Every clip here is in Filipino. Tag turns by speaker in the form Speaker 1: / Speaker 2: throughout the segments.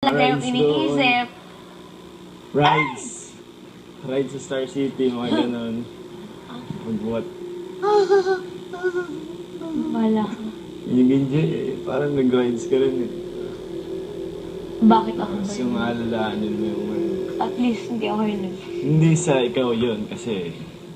Speaker 1: Matagal na yung
Speaker 2: Rides
Speaker 1: iniisip.
Speaker 2: Rides. Rides sa Star City, mga ganon. Magbuhat.
Speaker 1: Wala.
Speaker 2: Yung enjoy eh. Parang nag-rides ka rin eh.
Speaker 1: Bakit ako ba
Speaker 2: Tapos
Speaker 1: yun?
Speaker 2: yung aalalahanin mo yung
Speaker 1: At least hindi ako yun.
Speaker 2: hindi sa ikaw yun kasi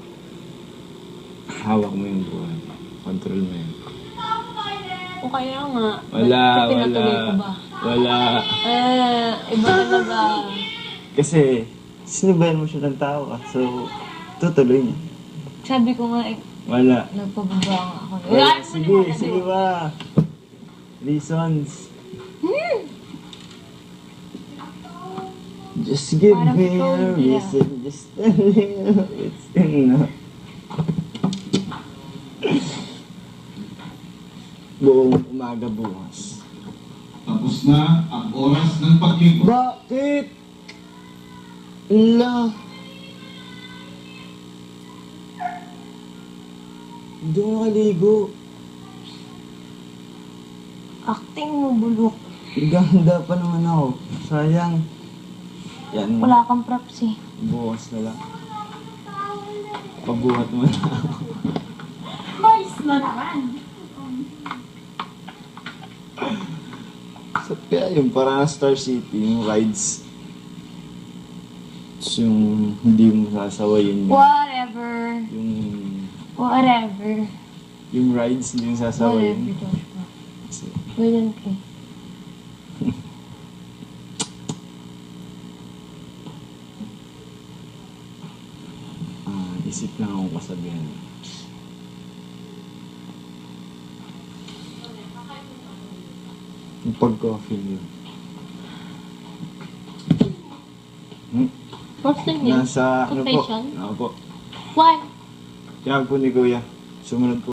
Speaker 2: hawak mo yung buhay. Control mo yun.
Speaker 1: O kaya nga.
Speaker 2: Wala.
Speaker 1: Pinatuloy ko ba?
Speaker 2: Wala.
Speaker 1: Iba talaga.
Speaker 2: Kasi sinibayan mo siya ng tao ka. So, tutuloy niya.
Speaker 1: Sabi ko nga,
Speaker 2: Wala.
Speaker 1: nagpababa nga ako.
Speaker 2: Wala. Sige ba? Reasons. Just give
Speaker 1: Parang
Speaker 2: me
Speaker 1: ikaw,
Speaker 2: a
Speaker 1: yeah.
Speaker 2: reason. Just a little. It's enough. Buong umaga bukas.
Speaker 3: Tapos na ang oras ng paglingkod.
Speaker 2: Bakit? La. Hindi ako nakaligo.
Speaker 1: Acting mo, bulok.
Speaker 2: Ganda pa naman ako. Sayang. Yan.
Speaker 1: Wala kang props eh.
Speaker 2: Bukas na lang. Pabuhat mo na ako.
Speaker 1: Boys na naman.
Speaker 2: So, kaya yung parang Star City, yung rides. Tapos yung hindi mo sasawayin yung...
Speaker 1: Whatever.
Speaker 2: Yung rides, hindi mo sasawayin.
Speaker 1: Whatever, Joshua.
Speaker 2: Kasi,
Speaker 1: Ganyan ka eh.
Speaker 2: isip lang akong kasabihan. Yung pag-coffee yun.
Speaker 1: What's the name?
Speaker 2: Nasa, ano po?
Speaker 1: Confession?
Speaker 2: Ano po?
Speaker 1: Why?
Speaker 2: Kaya po ni Kuya. Sumunod po.